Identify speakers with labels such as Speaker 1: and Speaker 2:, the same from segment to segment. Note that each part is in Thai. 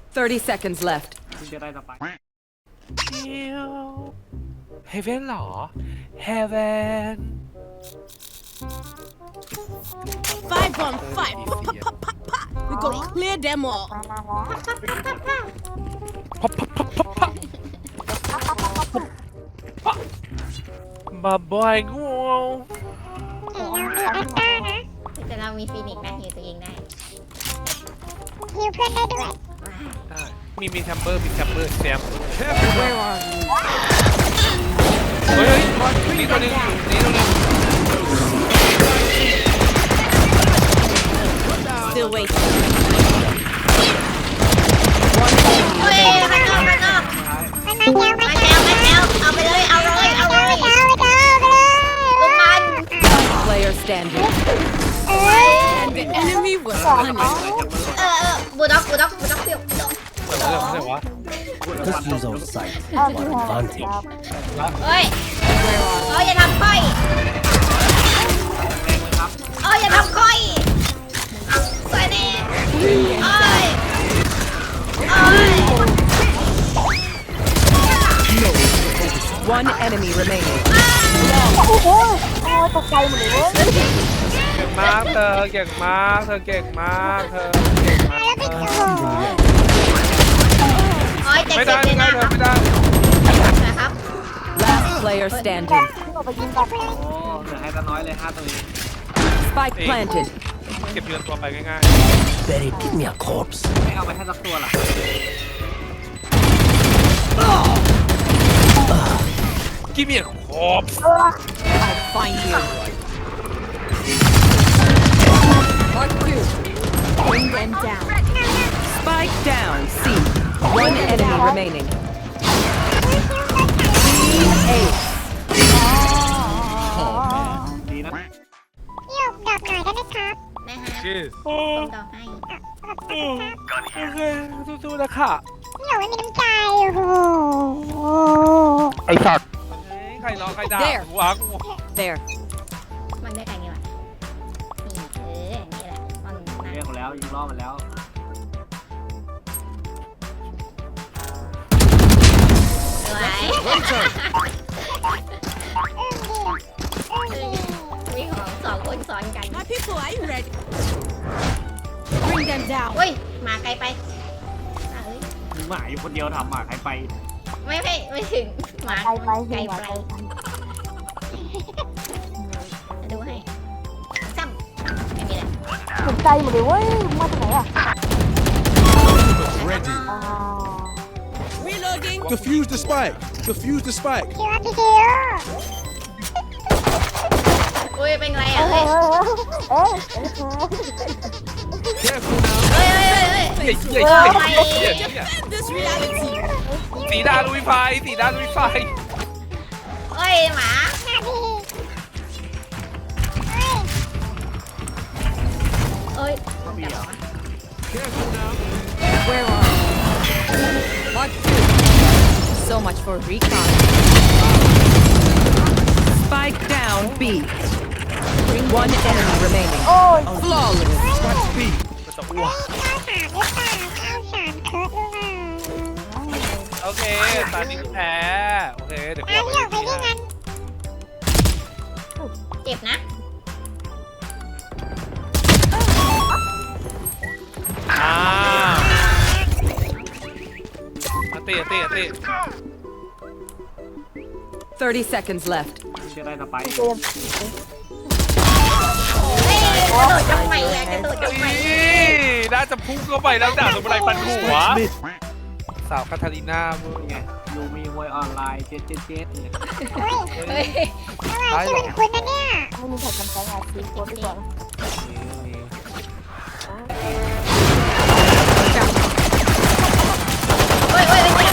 Speaker 1: 30 seconds left.
Speaker 2: คุณจะได้สไปค์
Speaker 3: เฮเวนหรอเฮเวน
Speaker 4: 5 on 5. We go clear them all.
Speaker 3: มาบอยงู
Speaker 5: แต่เรามีฟีนิกซ์นะฮิวตัวเองได้
Speaker 6: ฮิวเพื่อนได้ด้วย
Speaker 3: ได้มีแชมเบอร์แซม
Speaker 1: Where are you?
Speaker 3: เฮ้ยนี่ตัวนึงนี่ตัวนึง
Speaker 4: Still waiting.
Speaker 5: เฮ้ยมันนอก
Speaker 6: มันมาแล้ว
Speaker 5: มาแล้วเอาไปเลยเอาเลย
Speaker 6: ไปเลย
Speaker 5: ลูกมัน
Speaker 1: Player standing.
Speaker 4: And the enemy was punished.
Speaker 5: บูด็อกฟิว
Speaker 3: เรื่องวะ
Speaker 7: Let's use our sight to our advantage.
Speaker 5: เฮ้ยอย่าทำค่อย
Speaker 2: แรงเลยครับ
Speaker 5: อย่าทำค่อยสวยดีโอ้ย
Speaker 1: One enemy remaining.
Speaker 3: เก่งมากเธอเก่งมากเธอเก่งมากเธอเก่งมากไม่ได้ไม่ได้เธอไม่ได้
Speaker 5: นะครับ
Speaker 1: Last player standing.
Speaker 2: โอ้เหลือให้ตาน้อยเลย5ตัวเอง
Speaker 1: Spike planted.
Speaker 3: เก็บเงินตัวไปง่าย
Speaker 7: Barry, give me a corpse.
Speaker 2: ไม่เอาไปให้สักตัวหรอ
Speaker 3: ๆกิมเมียครบ
Speaker 4: I'll find you.
Speaker 1: Mark two.
Speaker 4: Bring them down.
Speaker 1: Spike down. C. One enemy remaining. Ace.
Speaker 2: ดีนะ
Speaker 6: พี่หยกดอกหน่อยได้ไหมครับ
Speaker 5: นะฮะ
Speaker 3: ชีส
Speaker 5: ต้องดอกให้
Speaker 3: โอเคสู้ๆนะค่ะ
Speaker 6: พี่หยกไม่มีน้ำใจโอ้โห
Speaker 3: ไอ้สัตว์ใครร้องใครด่ากูวะกู
Speaker 1: There.
Speaker 5: มันได้ไงเนี่ยวะนี่แหละมัน
Speaker 2: เรียกมาแล้วยิงล่อมาแล้ว
Speaker 5: สวยมีของสองคนซ้อนกัน
Speaker 4: My people, are you ready? Bring them down.
Speaker 5: เฮ้ยมาไกลไปเฮ้ย
Speaker 2: มึงหมาอยู่คนเดียวทำหมาใครไป
Speaker 5: ไม่ถึงหมาไกลไปดูให้ซ้ำไม่มีแหละ
Speaker 8: สนใจหมดเลยเว้ยมาจากไหนอ่ะ
Speaker 7: Ready.
Speaker 4: Reloading.
Speaker 9: Defuse the spike. Defuse the spike.
Speaker 6: พี่ว่าพี่คิว
Speaker 5: อุ้ยเป็นไรอ่ะเฮ้ย
Speaker 3: Careful now
Speaker 5: เฮ้ย
Speaker 3: เหี้ย
Speaker 4: Defend this reality.
Speaker 3: สีดาลุยไฟสีดาลุยไฟ
Speaker 5: เฮ้ยหมา
Speaker 6: หน้าพี่
Speaker 5: เอ้ยต้องจับเหรอ
Speaker 3: Careful now
Speaker 1: Where are you? Mark two. So much for recon. Spike down. B. One enemy remaining. Flawless.
Speaker 3: มันจะอ้วก
Speaker 6: ข้าวสารหรือเปล่าข้าวสารเคิร์ดหรือเปล่า
Speaker 3: โอเคตอนนี้แพ้โอเคเดี๋ยว
Speaker 6: พี่หยกไปที่งั้น
Speaker 5: เจ็บนะ
Speaker 3: มาตี
Speaker 1: 30 seconds left.
Speaker 2: มึงจะได้สไปค์
Speaker 5: เฮ้ยกระโดดจังไหมอ่ะกระโดดจังไหม
Speaker 3: น่าจะพุ่งเข้าไปแล้วด่าสมุไรปันหัว
Speaker 9: Mid.
Speaker 3: สาวคาทาลีนามึง
Speaker 2: ไงยูมีมวยออนไลน์เจ๊เนี่ย
Speaker 5: เฮ้ย
Speaker 6: ทำไมชื่อเหมือนคุณนะเนี่ย
Speaker 8: ไม่มีใครจำใจหาซีโค้ดดีกว่า
Speaker 5: เฮ้ยเป็นไง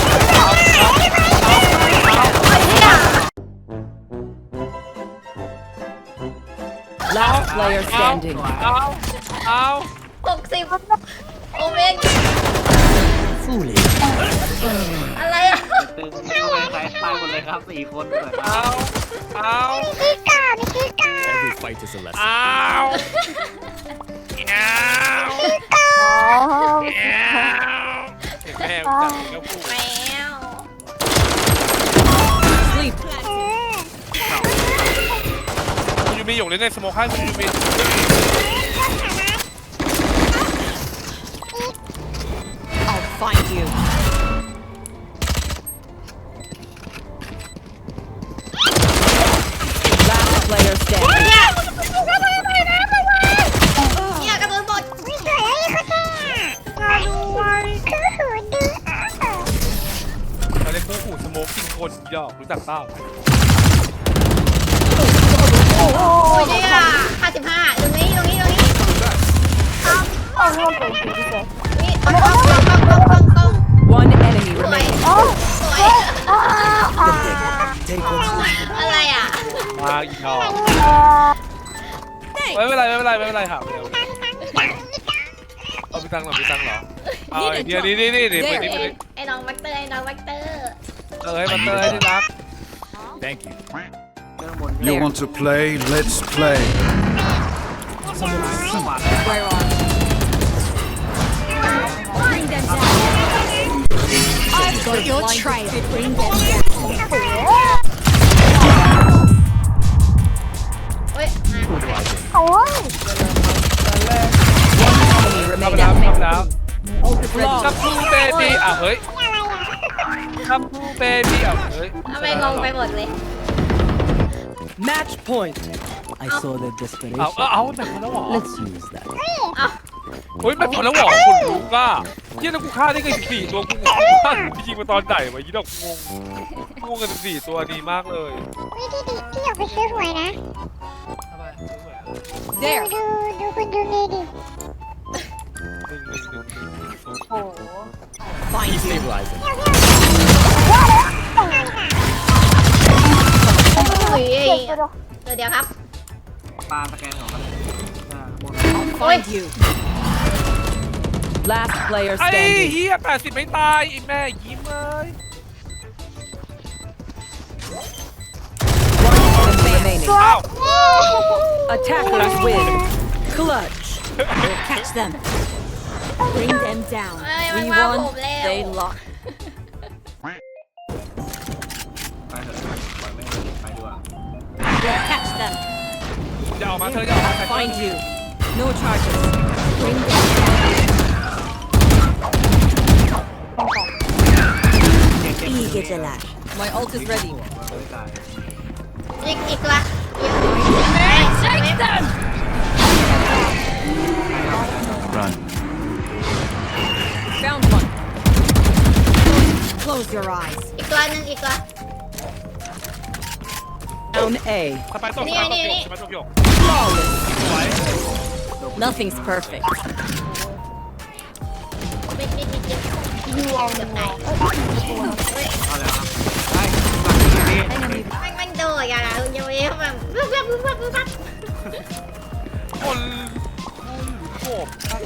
Speaker 1: Last player standing.
Speaker 3: เอา
Speaker 5: 60โอเมน
Speaker 7: Foolish.
Speaker 5: อะไรอ่ะ
Speaker 2: ตึงเข้าไปใส่ตายหมดเลยครับ4คนเปิดมา
Speaker 3: เอา
Speaker 6: มีชื่อก่อนมีชื่อก่อน
Speaker 7: Every fight is a lesson.
Speaker 3: เอาเอา
Speaker 8: อ๋อ
Speaker 3: เอาเล่นในสโมคให้คุณยูมิน
Speaker 1: I'll find you. Last player
Speaker 5: โอ้ย
Speaker 1: standing.
Speaker 5: เนี่ยกระโดดบด
Speaker 6: ไม่สวยแล้วนี่คุณเนี่ยคือหูดื้อ
Speaker 3: เราเล่นคู่หูสโมคกินคนหยอกรู้จักเปล่า
Speaker 5: โอ้ยเนี่ย55ตรงนี้
Speaker 8: เอาเรื่องเป็นสีที่เสร็จ
Speaker 5: นี่กล้อง
Speaker 1: One enemy remaining.
Speaker 5: สวย
Speaker 7: Take what's left.
Speaker 5: อะไรอ่ะ
Speaker 3: มาอีกหยอกไม่เป็นไรค่ะเอาไปตังค์เหรอเอาไอ้เดียวนี่เดี๋ยวไปนี่
Speaker 5: ไอ้น้องแบคเตอร์
Speaker 3: มาเตอร์ให้ที่รัก
Speaker 7: Thank you.
Speaker 2: เรื่องบน
Speaker 9: You want to play? Let's play.
Speaker 1: Where are you?
Speaker 4: Bring them down. I've got your trail. Bring them down.
Speaker 5: เฮ้ยมา
Speaker 8: โอ้ย
Speaker 1: Enemy
Speaker 3: ทำ
Speaker 1: remaining.
Speaker 3: แล้วคัมพูเบบี้อ่ะเฮ้ยคัมพูเบบี้อ่ะเฮ้ย
Speaker 5: ทำไมงงไปหมดเลย
Speaker 1: Match point.
Speaker 7: I saw the desperation.
Speaker 3: เอาแบบพอแล้วหรอ
Speaker 7: Let's use that.
Speaker 3: เฮ้ยแบบพอแล้วหรอคุณรู้ป่ะเยี่ยแล้วกูฆ่าได้กัน14ตัวกูฆ่ากูยิงมาตอนไหนวะยี่ดอกงงกัน14ตัวดีมากเลย
Speaker 6: วิธีดีที่อยากไปซื้อหวยนะ
Speaker 1: There.
Speaker 6: ดูคุณดูนี่ดิ
Speaker 8: โอ้โห
Speaker 1: Find you.
Speaker 7: Stabilizing.
Speaker 5: อุ้ย
Speaker 8: เก่งไปเลย
Speaker 5: เดี๋ยวครับ
Speaker 2: ปลาสแกนของมันบน
Speaker 1: Find you. Last player
Speaker 3: ไอ้
Speaker 1: standing.
Speaker 3: เฮีย80ไม่ตายไอ้แม่ยิ้มเลย
Speaker 1: One enemy remaining.
Speaker 3: อ้าว
Speaker 1: Attackers win. Clutch.
Speaker 4: Catch them. Bring them down.
Speaker 5: เอ้ยมัน
Speaker 1: We
Speaker 5: มาผม
Speaker 1: won.
Speaker 5: แล้ว
Speaker 1: They lost.
Speaker 2: ไปเถอะปล่อยไม่ไปดีกว่า
Speaker 4: Catch them.
Speaker 3: อย่าออกมาเธออย่าออกมา
Speaker 1: Find you. No charges.
Speaker 4: Bring them down. Eager to lash.
Speaker 1: My ult is ready.
Speaker 2: ไม่ตาย
Speaker 5: อีกตัว
Speaker 9: Run.
Speaker 1: Found one.
Speaker 4: Close your eyes.
Speaker 5: อีกตัวหนึ่งอีกตัว
Speaker 1: Down A.
Speaker 3: สไปตก
Speaker 5: นี่นี่
Speaker 3: สไปตกหยก
Speaker 1: Flawless.
Speaker 3: สวย
Speaker 1: Nothing's perfect.
Speaker 5: นิดยูเอาเดี๋ยวไหน
Speaker 2: เอาแล้วครับไปหลังนี้
Speaker 5: มันโดดอย่างไรคุณยูเอฟแบบปุ๊บ
Speaker 3: คนโขบ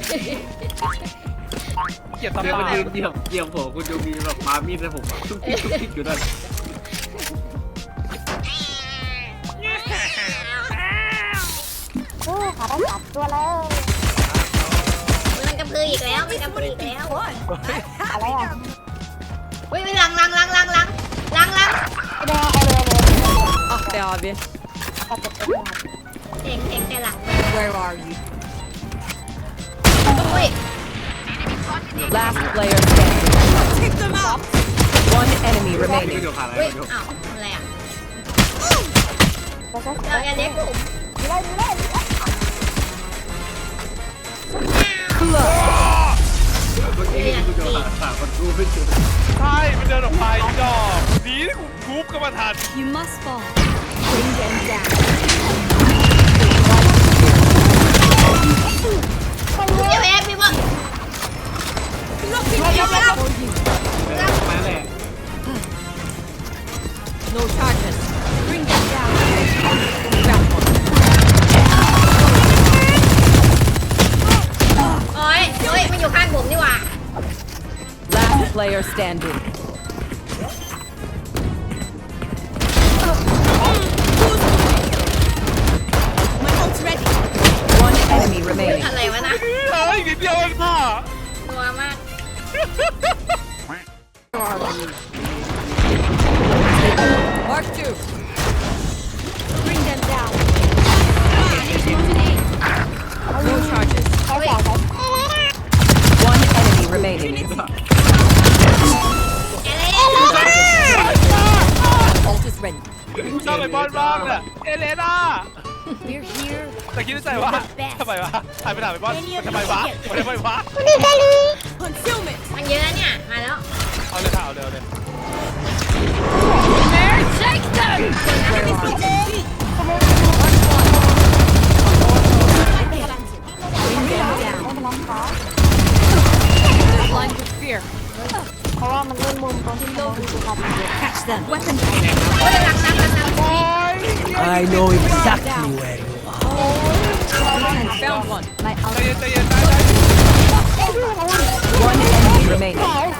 Speaker 3: เกลียดตา
Speaker 2: เดี๋ยว
Speaker 3: บา
Speaker 2: มันยืนเหยียบผมคุณดูมีแบบมามีดให้ผมทุกทิศอยู่นั่น
Speaker 8: โอ้ขาได้สามตัวแล้ว
Speaker 5: มันกระพืออีกแล้วมันกระพืออีกแล้ว
Speaker 8: อะไรอ่ะ
Speaker 5: อุ้ยหลัง
Speaker 8: เอาเลยเอาเลย
Speaker 1: Ah be abi.
Speaker 5: เก่งแต่หลัง
Speaker 1: Where are you?
Speaker 5: อุ้ย
Speaker 1: Last player standing. Take them out. One enemy
Speaker 2: นี่
Speaker 1: remaining.
Speaker 2: เดี๋ยวผ่านอะไร
Speaker 5: อุ้ย
Speaker 2: เดี๋ยว
Speaker 5: อ้าวอะไรอ่ะ
Speaker 8: ก็ใช่
Speaker 5: เราอย่าเลี้ยงผม
Speaker 8: ดีเลย
Speaker 1: Clutch.
Speaker 2: เมื่อกี้คุณดูหาคนรู้ไม่เจอ
Speaker 3: ใช่มันเดินออกไปดอกดีที่กูทุบก็มาทัน
Speaker 4: You must fall. Bring them down.
Speaker 5: ยูเอฟพี่บอก
Speaker 2: มาแหละ
Speaker 1: No charges.
Speaker 4: Bring them down.
Speaker 1: Found one.
Speaker 5: โอ้ยมันอยู่ข้างผมนี่หว่า
Speaker 1: Last player standing.
Speaker 4: My ult's ready.
Speaker 1: One enemy remaining.
Speaker 5: อะไรวะนะ
Speaker 3: เฮ้ยนิดเดียวเองค่ะ
Speaker 5: ตัวมาก
Speaker 1: Mark two.
Speaker 4: Bring them down.
Speaker 1: No charges.
Speaker 8: ใช้แสงใช้
Speaker 1: One enemy remaining. Ult is ready.
Speaker 3: ชอบไปบอลบ้างเนี่ยเอเลน่า
Speaker 4: We're here.
Speaker 3: แต่คิดในใจว่าทำไมวะหายไปไหนไปบอลทำไมวะทำไมวะ
Speaker 1: Concealment.
Speaker 5: มันเยอะเนี่ย มาแล้ว
Speaker 3: เอาเลยค่ะเอาเลยเอาเลย
Speaker 4: Take them. Bring them down.
Speaker 8: ไม่เป็นไรค่ะ
Speaker 1: They're blind with fear.
Speaker 8: เพราะว่ามันเล่นมุมตรงที่โลกดูครับ
Speaker 1: Catch them. Weapon.
Speaker 7: I know exactly where you are.
Speaker 1: Found one.
Speaker 3: ใจเย็นใจเย็นได้
Speaker 1: One enemy remaining.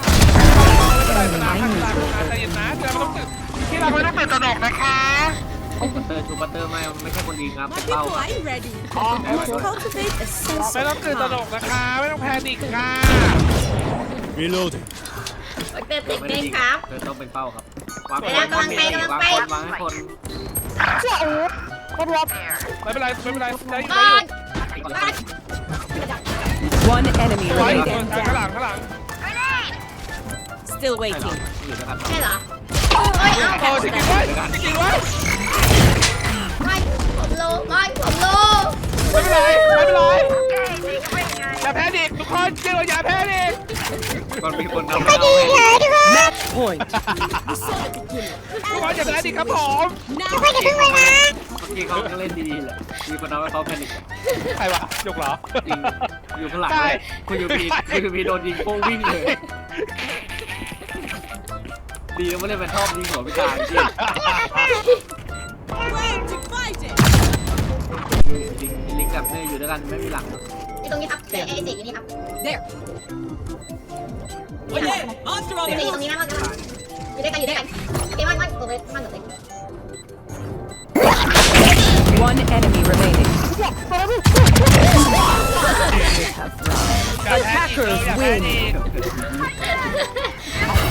Speaker 3: ใจเย็นนะเดี๋ยวเราต้องตื่นที่เราไม่ต้องตื่นตระหนกนะคะ
Speaker 2: ชูบัตเตอร์ไม่ใช่คนดีครับเป็นเป้าครับ
Speaker 1: I'm ready.
Speaker 4: Cultivate a sense
Speaker 3: ไม่ต้องตื่นตระหนกนะคะไม่ต้องแพนิคค่ะ
Speaker 9: Reloading.
Speaker 5: เติมติดเองครับ
Speaker 2: เธอต้องเป็นเป้าครับวาง
Speaker 5: เวลากำลังไปกำลังไป
Speaker 2: วางให้คน
Speaker 8: เชื่ออู๊ดก็รวบ
Speaker 3: ไม่เป็นไรไม่เป็นไรได้อยู่
Speaker 5: ก่อน
Speaker 1: One enemy
Speaker 3: ไว้
Speaker 1: remaining.
Speaker 3: ข้างหลังข้างหลัง
Speaker 1: Still
Speaker 2: ใช่เหรอ
Speaker 1: waiting.
Speaker 2: อยู่ด้วยกัน
Speaker 5: ใช่เหรอโอ้ยเอา
Speaker 3: โอ้จริงๆไว้จริงๆไว้
Speaker 5: ไม่ผมโลไม่ผมโล
Speaker 3: ไม่เป็นไรไม่เป็นไรอย่าแพนิคทุกคนเชื่ออย่าแพนิค
Speaker 2: ก่อนมีคนนำเราให้
Speaker 1: Match point.
Speaker 3: ทุกคนอย่าแพนิคครับผม
Speaker 2: เมื่อกี้เขาก็เล่นดีๆแหละมีคนทำให้เขาแพนิค
Speaker 3: ใครวะยกเหรอ
Speaker 2: จริงอยู่ข้างหลังเลยคุณยูพีโดนยิงโป้งวิ่งเลยดีนะไม่ได้เป็นชอบยิงหัวพิการจริงลิงกับเนยอยู่ด้วยกันไม่มีหลัง
Speaker 5: อยู่ตรงนี้ครับไอ้เด็กอยู่นี่ครับ
Speaker 1: There.
Speaker 5: อยู่ตรงนี้นะมันอยู่ด้วยกันอยู่ด้วยกันเกมมันตัวเล็กมันตัวเล็ก
Speaker 1: One enemy remaining.
Speaker 3: อย่าแพนิคอย่าแพนิค